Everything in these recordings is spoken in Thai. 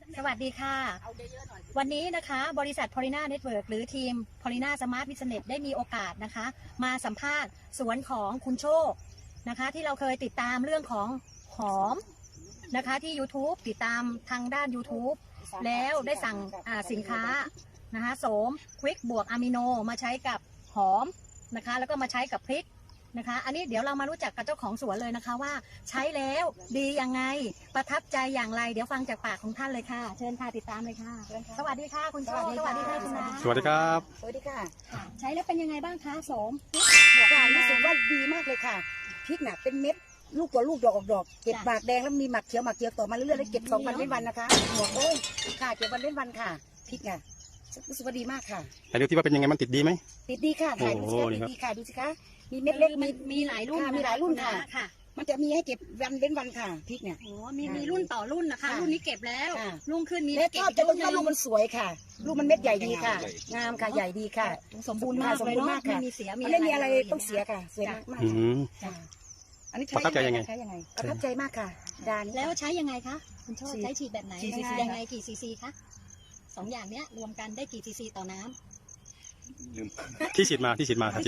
สวัสดีค่ะวันนี้นะคะบริษัท Polina Network หรือทีม Polina Smart Business ได้มีโอกาสนะคะมาสัมภาษณ์สวนของคุณโชคนะคะที่เราเคยติดตามเรื่องของหอมนะคะที่ YouTube ติดตามทางด้าน YouTube แล้วได้สั่งสินค้านะคะโสมควิกบวกอะมิโนมาใช้กับหอมนะคะแล้วก็มาใช้กับพริกนะคะอันนี้เดี๋ยวเรามารู้จักกับเจ้าของสวนเลยนะคะว่าใช้แล้วดียังไงประทับใจอย่างไรเดี๋ยวฟังจากปากของท่านเลยค่ะเชิญค่ะติดตามเลยค่ะสวัสดีค่ะคุณโชคสวัสดีค่ะคุณนาสวัสดีครับสวัสดีค่ะใช้แล้วเป็นยังไงบ้างคะโสมค่ะรู้สึกว่าดีมากเลยค่ะพริกน่ะเป็นเม็ดลูกตัวลูกดอกออกดอกเก็บหมากแดงแล้วมีหมากเขียวต่อมาเรื่อยๆแล้วเก็บ2 วันเว้นวันนะคะหัวโอ้ยค่ะเก็บวันเว้นวันค่ะพริกน่ะรู้สึกว่าดีมากค่ะแต่ดูที่ว่าเป็นยังไงมันติดดีไหมติดดีค่ะถ่ายดูสิคะติดดีค่ะดูสิคะมีเม็ดเล็กมีหลายรุ่นมีหลายรุ่นค่ะค่ะมันจะมีให้เก็บวันเว้นวันค่ะพริกเนี่ยโอ้มีรุ่นต่อรุ่นนะคะรุ่นนี้เก็บแล้วรุ่งขึ้นมีเม็ดชอบจะต้นลูกมันสวยค่ะลูกมันเม็ดใหญ่ดีค่ะงามค่ะใหญ่ดีค่ะสมบูรณ์มากเลยเนาะไม่มีเสียไม่มีอะไรต้องเสียค่ะสวยมากอันนี้ประทับใจยังไงประทับใจมากค่ะดานแล้วใช้ยังไงคะคุณโชคใช้ฉีดแบบไหนยังไงกี่ซีซีคะ2 อย่างเนี้ยรวมกันได้กี่ซีซีต่อน้ำที่ฉีดมาฉีดมา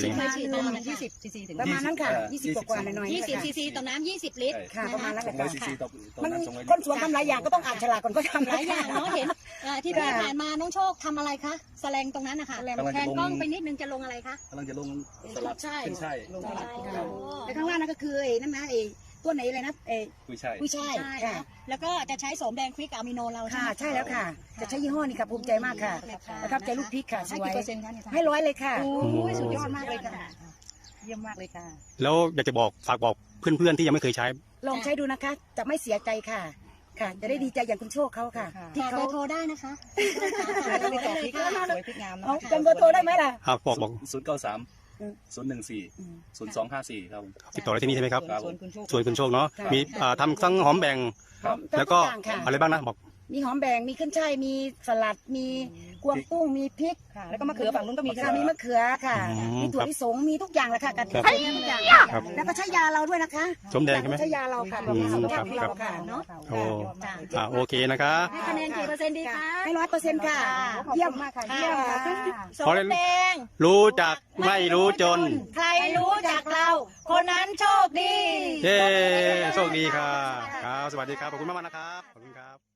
20 ซีซีถึงประมาณนั้นค่ะ20 กว่าหน่อย 20 ซีซีต่อน้ำ20 ลิตรค่ะประมาณนั้นค่ะซีซีต่อมันคนสวนทำหลายอย่างก็ต้องอ่านฉลากก่อนก็ทำหลายอย่างเนาะเห็นที่ผ่านมาน้องโชคทำอะไรคะแสลงตรงนั้นนะคะแทนกล้องไปนิดนึงจะลงอะไรคะกำลังจะลงสลัดขึ้นช่ายแต่ข้างล่างนั่นก็คือนั่นนะตัวไหนเลยนะกุ้ยช่ายค่ะแล้วก็จะใช้โสมแดงควิกอะมิโนเราค่ะใช่แล้วค่ะจะใช้ยี่ห้อนี้ค่ะภูมิใจมากค่ะประทับใจลูกพริกค่ะสวยให้100เลยค่ะสุดยอดมากเลยค่ะเยี่ยมมากเลยค่ะแล้วอยากจะฝากบอกเพื่อนๆที่ยังไม่เคยใช้ลองใช้ดูนะคะจะไม่เสียใจค่ะค่ะจะได้ดีใจอย่างคุณโชคเขาค่ะที่เขาโทรได้นะคะจำเบอร์โทรได้ไหมล่ะบอก 093 014 0254ครับติดต่อได้ที่นี่ใช่ไหมครับสวนคุณโชคเนาะมีทำทั้งหอมแบ่งแล้วก็อะไรบ้างนะบอกมีหอมแบ่งมีขึ้นช่ายมีสลัดมีกวางตุ้งมีพริกแล้วก็มะเขือฝั่งนู้นก็มีค่ะมีมะเขือค่ะมีถั่วลิสงมีทุกอย่างเลยค่ะกระเทียมทุกอย่างแล้วก็ใช้ยาเราด้วยนะคะสมแดงใช่ไหมใช้ยาเราค่ะเราค่ะเนาะโอเคนะคะให้คะแนนกี่เปอร์เซ็นต์ดีคะให้100%ค่ะเยี่ยมมากค่ะเยี่ยมโสมแดงรู้จักไม่รู้จนใครรู้จักเราคนนั้นโชคดีเย้โชคดีค่ะครับสวัสดีครับขอบคุณมากๆนะครับขอบคุณครับ